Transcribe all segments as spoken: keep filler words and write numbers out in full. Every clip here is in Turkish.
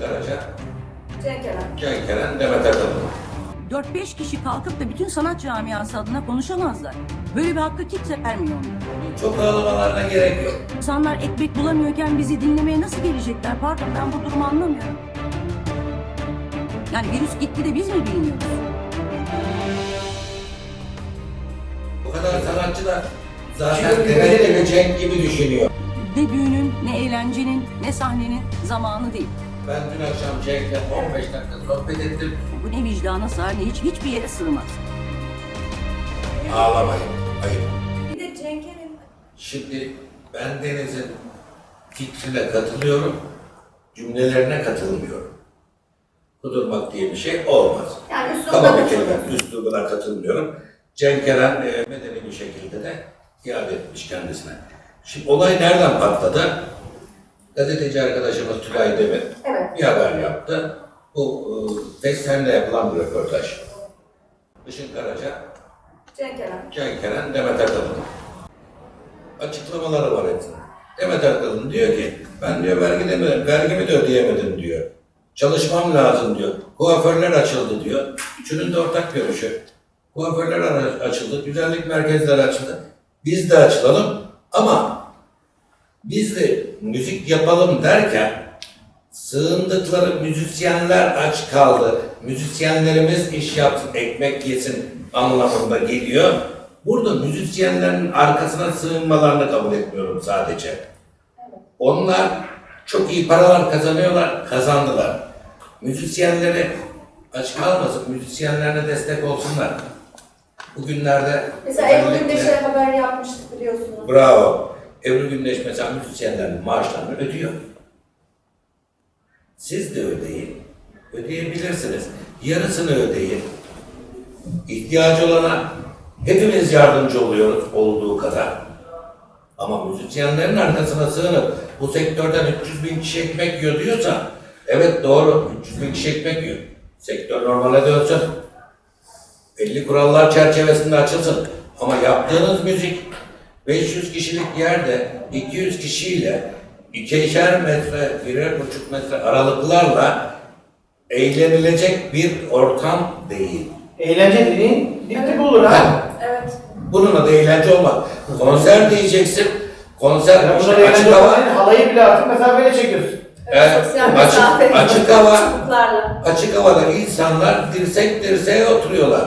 Karaca, Cenk Eren. Cenk Eren, Demet Akalın. dört beş kişi kalkıp da bütün sanat camiası adına konuşamazlar. Böyle bir hakkı kimse vermiyor onlara. Çok ağlamalarına gerek yok. İnsanlar ekmek bulamıyorken bizi dinlemeye nasıl gelecekler? Pardon, ben bu durumu anlamıyorum. Yani virüs gitti de biz mi bilmiyoruz? Bu kadar sanatçı da zaten Demet gibi, Cenk gibi düşünüyor. Ne düğünün, ne eğlencenin, ne sahnenin zamanı değil. Ben dün akşam Cenk'le on beş dakika sohbet ettim. Bu ne vicdana sığar ne hiç, hiçbir yere sığmaz. Ağlamayın, ayıp. Bir de Cenk Eren. Şimdi ben Deniz'in fikrine katılıyorum, cümlelerine katılmıyorum. Kudurmak diye bir şey olmaz. Yani üstüne Kaba bir bakıyorsunuz. kelime, üslubuna katılmıyorum. Cenk Eren e, medeni bir şekilde de iade etmiş kendisine. Şimdi olay nereden patladı? Gazeteci arkadaşımız Tülay Demir Evet. bir haber yaptı. Bu e, Fessen'de yapılan bir röportaj. Işın Karaca, Cenk Eren. Cenk Eren, Demet Akalın. Açıklamaları var hepsinin. Demet Akalın diyor ki, ben diyor vergi demedim, vergimi de ödeyemedim diyor. Çalışmam lazım diyor. Kuaförler açıldı diyor. Üçünün de ortak görüşü. Kuaförler açıldı, güzellik merkezleri açıldı. Biz de açılalım ama biz de müzik yapalım derken sığındıkları müzisyenler aç kaldı. Müzisyenlerimiz iş yapsın, ekmek yesin anlamında geliyor. Burada müzisyenlerin arkasına sığınmalarını kabul etmiyorum sadece. Onlar çok iyi paralar kazanıyorlar, kazandılar. Müzisyenleri aç kalmasın, müzisyenlerine destek olsunlar. Bugünlerde Mesela Ebru Gündeş'e haber yapmıştık biliyorsunuz. bravo. Ebru Gündeş mesela müzisyenlerin maaşlarını ödüyor. Siz de ödeyin. Ödeyebilirsiniz. Yarısını ödeyin. İhtiyacı olana hepimiz yardımcı oluyoruz olduğu kadar. Ama müzisyenlerin arkasına sığınıp bu sektörden üç yüz bin kişi ekmek yiyor diyorsa evet doğru üç yüz bin kişi ekmek yiyor. Sektör normale dönsün. Belli kurallar çerçevesinde açılsın. Ama yaptığınız müzik beş yüz kişilik yerde iki yüz kişiyle ikişer metre, birer buçuk metre aralıklarla eğlenilecek bir ortam değil. Eğlence dediğin dip dip olur ha. Evet. Bunun adı eğlence olmaz. Konser diyeceksin. Konser Ya işte burada açık eğlence hava. olmayan halayı bile artık mesafeyle çekiyorsun. Evet, Sosyal açık, mesafe. açık hava, Çubuklarla. açık havada insanlar dirsek dirseğe oturuyorlar.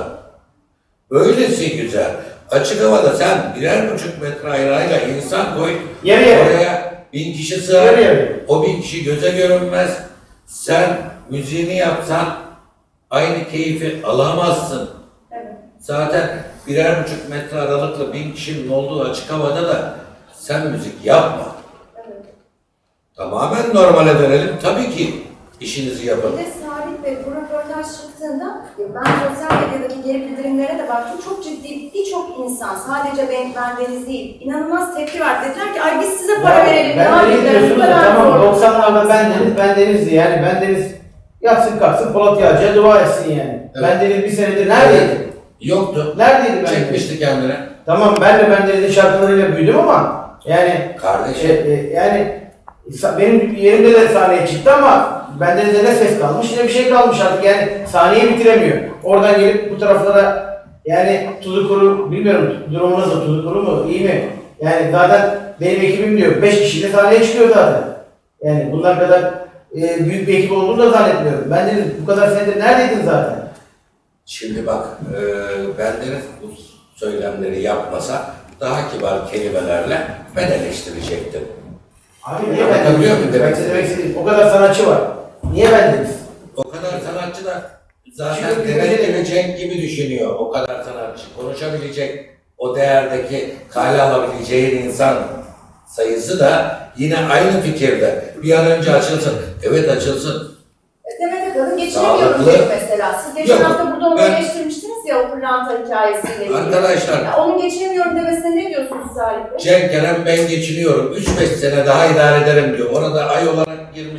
Böylesi güzel. Açık havada sen birer buçuk metre ayrayla insan koy, Yarı yarı. oraya bin kişi sığar, Yarı yarı. o bin kişi göze görünmez. Sen müziğini yapsan aynı keyfi alamazsın. Evet. Zaten birer buçuk metre aralıkla bin kişinin olduğu açık havada da sen müzik yapma. Evet. Tamamen normale dönelim. Tabii ki işinizi yapın. Bir de Salih Bey bu röportaj çıktığında ben sosyal medyadaki geri bildirimlere de baktım. Çok ciddi birçok insan sadece ben, ben Deniz değil inanılmaz tepki var. Dediler ki ay biz size para Ya, verelim. Ben daha Deniz bizden diyorsunuz bu da kadar tamam zor." doksanlarda ben Deniz, ben Deniz'di yani ben Deniz yatsın kalksın Polat Yağcı'ya dua etsin yani. Evet. Ben Deniz bir senedir neredeydi? Yoktu. Neredeydi ben Deniz? Çekmişti kendine. Tamam ben de ben Deniz'in şarkılarıyla büyüdüm ama yani Kardeşim. e, e, yani sa- benim yerimde de sahneye çıktı ama ben Deniz'de ne ses kalmış ne bir şey kalmış artık yani sahneyi bitiremiyor. Oradan gelip bu taraflara yani tuzu kuru bilmiyorum durumu nasıl tuzu kuru mu iyi mi? Yani zaten benim ekibim diyor beş kişiyle sahneye çıkıyor zaten. Yani bunlar kadar e, büyük bir ekip olduğunu da zannetmiyorum. Ben Deniz bu kadar senedir neredeydin zaten? Şimdi bak, e, bendeniz bu söylemleri yapmasa daha kibar kelimelerle ben eleştirecektim. Abi niye Anlatabiliyor ben muyum Deniz? demek Ben istediğimi? demek istediğim o kadar sanatçı var. Niye ben Deniz? O kadar sanatçı da zaten Şimdi Demet bir- gibi Cenk gibi düşünüyor. O kadar sanatçı. Konuşabilecek, o değerdeki kale alabileceğin insan sayısı da yine aynı fikirde. Bir an önce açılsın. Evet açılsın. Demet Akalın geçinemiyorum Sağlıklı. dedi mesela. Siz geçen Yok, hafta burada onu ben- eleştirmiştiniz ya o pırlanta hikayesiyle ilgili. Arkadaşlar, Ya onun geçinemiyorum demesine ne diyorsunuz Salih Bey? Cenk Eren ben geçiniyorum. üç beş sene daha idare ederim diyor. Orada ay olarak girmiş.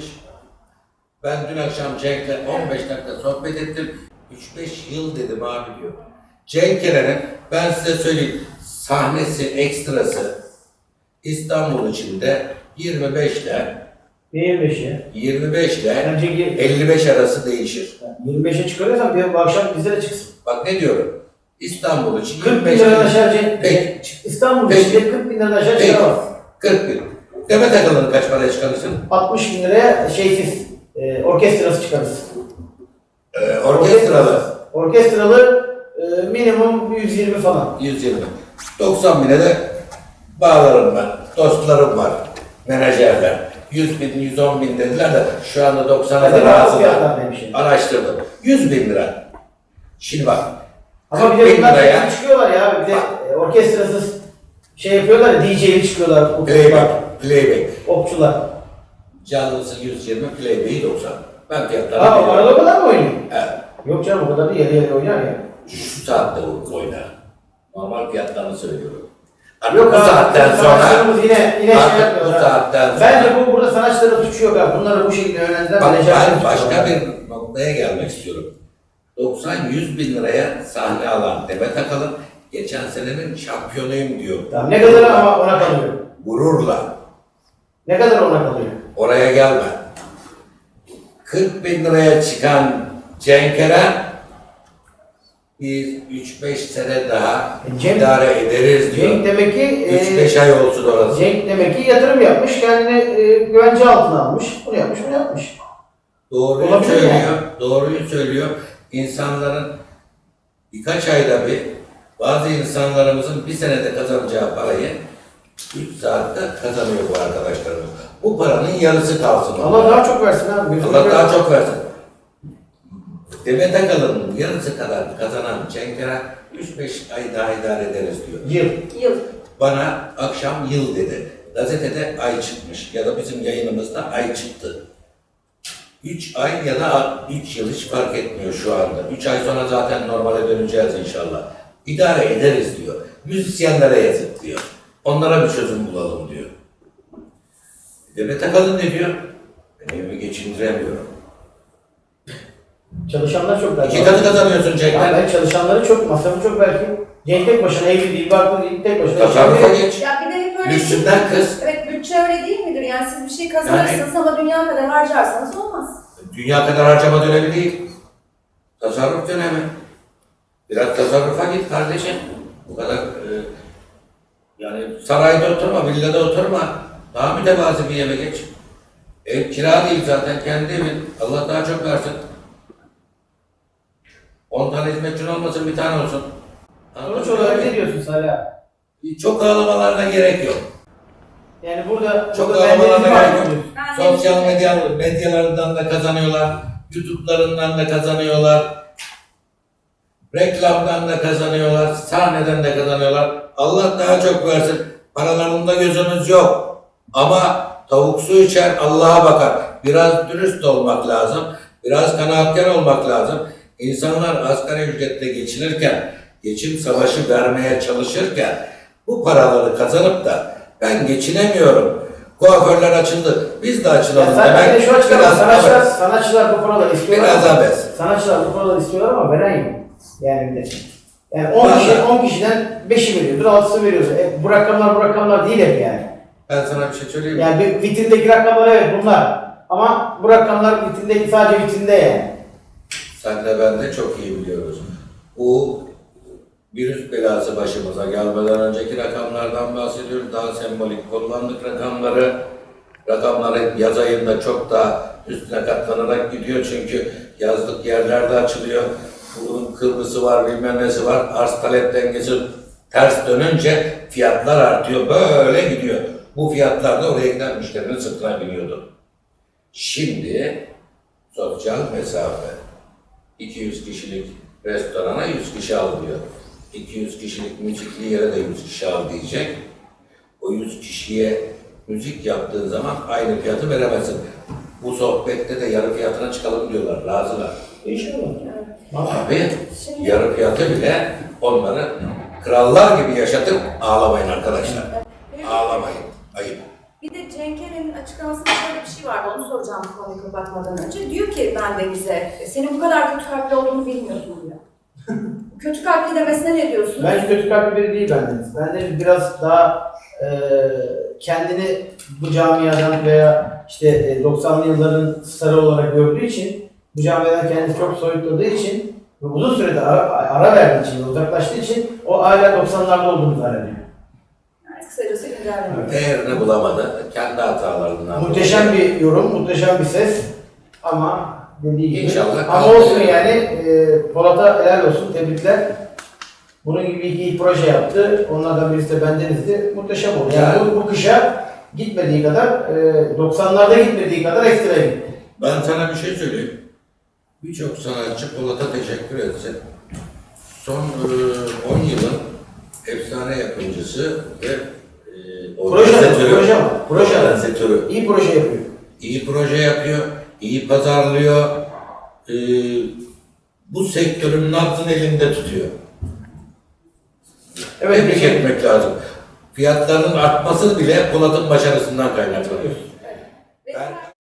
Ben dün akşam Cenk'le on beş dakika sohbet ettim. üç beş yıl dedim abi diyor. Cenk Eren'in ben size söyleyeyim sahnesi, ekstrası İstanbul içinde yirmi beş ile yirmi beşi. yirmi beş ile Bence elli beş arası değişir. yirmi beşe çıkarıyorsan bir bu akşam bize de çıksın. Bak ne diyorum? İstanbul için kırk bin yirmi beş liradan aşağı ce- Peki. İstanbul Peki. içinde kırk bin liradan aşağı Peki. çıkamaz. kırk bin. Demet Akalın'ı kaç paraya çıkarırsın? altmış bin liraya şeysiz, e, orkestrası çıkarız. Ee, orkestralı Orkestralı e, minimum yüz yirmi falan. yüz yirmi. doksan bine de bağlarım ben. Dostlarım var. Menajerler. yüz bin, yüz on bin dediler de şu anda doksana da Hadi bazı razılar. fiyatlar demiş yani. Araştırdım. yüz bin lira. Şimdi bak. Ama bir kırk de bin bunlar liraya şeysiz çıkıyorlar ya, bir de e, orkestrasız şey yapıyorlar ya, D J'li çıkıyorlar, okçular, playback. Playback. okçular. Canlısı yüz yirmi, playback'i doksan. Ben fiyatları Aa, biliyorum. arada o kadar mı oynuyor? Evet. Yok canım, o kadar değil, yarı yarı oynar ya. Şu saatte oynar. Normal fiyatlarını söylüyorum. Artık Yok bu abi, saatten sonra sanatçılarımız yine, yine şey artık yapmıyor. bu ha. saatten sonra Bence bu burada sanatçıların suçu yok abi. Bunları bu şekilde yönlendiren bak, menajerlerin ben suçu başka var. bir noktaya gelmek istiyorum. doksan yüz bin liraya sahne alan Demet Akalın geçen senenin şampiyonuyum diyor. Tamam, ne kadar ama ona kalıyor. Gururla. Ne kadar ona kalıyor? Oraya gelme. kırk bin liraya çıkan Cenk Eren biz üç beş sene daha E, Cenk- idare ederiz diyor. Cenk demek ki üç beş e, ay olsun orası. Cenk demek ki yatırım yapmış, kendini e, güvence altına almış. Bunu yapmış, bunu yapmış. Doğruyu Olabilir söylüyor. yani. Doğruyu söylüyor. İnsanların birkaç ayda bir bazı insanlarımızın bir senede kazanacağı parayı üç saatte kazanıyor bu arkadaşlarımız. Bu paranın yarısı kalsın. Allah daha çok versin abi. gözünü Allah daha seveyim. çok versin. Demet Akalın'ın yarısı kadar kazanan Cenk Eren üç beş ay daha idare ederiz diyor. Yıl. Yıl. Bana akşam yıl dedi. Gazetede ay çıkmış ya da bizim yayınımızda ay çıktı. üç ay ya da üç yıl hiç fark etmiyor şu anda. üç ay sonra zaten normale döneceğiz inşallah. İdare ederiz diyor. Müzisyenlere yazık diyor. Onlara bir çözüm bulalım diyor. Demet Akalın ne diyor? Ben evimi geçindiremiyorum. Çalışanlar çok belki. İki katı kazanıyorsun Ya Cenk'ten. ben çalışanları çok, masrafı çok belki. Cenk tek başına evli değil, barklı değil, tek başına. Tasarrufa geç. Ya bir de hep öyle Lüksünden kız. Evet, bütçe öyle değil midir? Yani siz bir şey kazanırsınız ama dünya kadar harcarsanız olmaz. Dünya kadar harcama dönemi değil. Tasarruf dönemi. Biraz tasarrufa git kardeşim. Bu kadar e, yani sarayda oturma, villada oturma. Daha mütevazi bir eve geç. Ev kira değil zaten, kendi evin. Allah daha çok versin. On tane hizmetçin olmasın, bir tane olsun. Sonuç olarak ne diyorsun Salih abi? Çok ağlamalarına gerek yok. Yani burada Çok burada ağlamalarına bendeniz var gerek mı yok. diyorsun? Ben de- Sosyal medya medyalarından da kazanıyorlar. YouTube'larından da kazanıyorlar. Reklamdan da kazanıyorlar. Sahneden de kazanıyorlar. Allah daha çok versin. Paralarında gözümüz yok. Ama tavuk su içer, Allah'a bakar. Biraz dürüst olmak lazım. Biraz kanaatkar olmak lazım. İnsanlar asgari ücretle geçinirken, geçim savaşı vermeye çalışırken bu paraları kazanıp da ben geçinemiyorum. Kuaförler açıldı. Biz de açılalım Ya sen demek. de şu açıdan Biraz sanatçılar, abes. sanatçılar bu paraları istiyorlar. Biraz ama- abes. Sanatçılar bu paraları istiyorlar ama veren yok. Yani bir de. Yani on Vallahi. kişi, on kişiden beşi veriyordur, altısı veriyordur. E, bu rakamlar bu rakamlar değil hep yani. Ben sana bir şey söyleyeyim mi? Yani bir vitrindeki rakamlar evet bunlar. Ama bu rakamlar vitrindeki sadece vitrinde yani. Sen de ben de çok iyi biliyoruz. Bu virüs belası başımıza gelmeden önceki rakamlardan bahsediyoruz. Daha sembolik kullandık rakamları. Rakamları yaz ayında çok daha üstüne katlanarak gidiyor. Çünkü yazlık yerlerde açılıyor. Bunun Kıbrıs'ı var, bilmem nesi var. Arz talep dengesi ters dönünce fiyatlar artıyor. Böyle gidiyor. Bu fiyatlar da oraya giden müşterinin sırtına biniyordu. Şimdi sosyal mesafe. iki yüz kişilik restorana yüz kişi al diyor. iki yüz kişilik müzikli yere de yüz kişi al diyecek. O yüz kişiye müzik yaptığın zaman aynı fiyatı veremezsin. Bu sohbette de yarı fiyatına çıkalım diyorlar, razılar. İnşallah. Abi Şimdi- yarı fiyatı bile onları krallar gibi yaşatıp ağlamayın arkadaşlar. Ağlamayın, ayıp. Bir de Cenk Eren'in açıklamasında şöyle bir şey vardı, onu soracağım bu konuyu kapatmadan önce. Diyor ki ben Deniz'e, senin bu kadar kötü kalpli olduğunu bilmiyordum diyor. Kötü kalpli demesine ne diyorsun? Bence kötü kalpli biri değil bendeniz. Bendeniz biraz daha e, kendini bu camiadan veya işte e, doksanlı yılların starı olarak gördüğü için, bu camiadan kendisi çok soyutladığı için ve uzun sürede ara, ara verdiği için, uzaklaştığı için o hala doksanlarda olduğunu zannediyor. Yani kısacası güncelleme. Değerini bulamadı. Kendi hatalarından. Muhteşem bir yorum, muhteşem bir ses ama dediği gibi. İnşallah Ama kaldı. olsun yani, e, Polat'a helal olsun, tebrikler. Bunun gibi iki ilk proje yaptı. Onlardan birisi de bendenizdi. Muhteşem oldu. Yani Yani- bu, bu kışa gitmediği kadar, e, doksanlarda gitmediği kadar ekstra gitti. Ben sana bir şey söyleyeyim. Birçok sanatçı Polat'a teşekkür etse, son e, on yılın efsane yapımcısı ve e, Proje, organizatörü, proje ama, proje. organizatörü. İyi proje yapıyor. İyi proje yapıyor, iyi pazarlıyor. E, bu sektörün nabzını elinde tutuyor. Evet, Tebrik bir- etmek lazım. Fiyatların artması bile Polat'ın başarısından kaynaklanıyor. Ve Ben-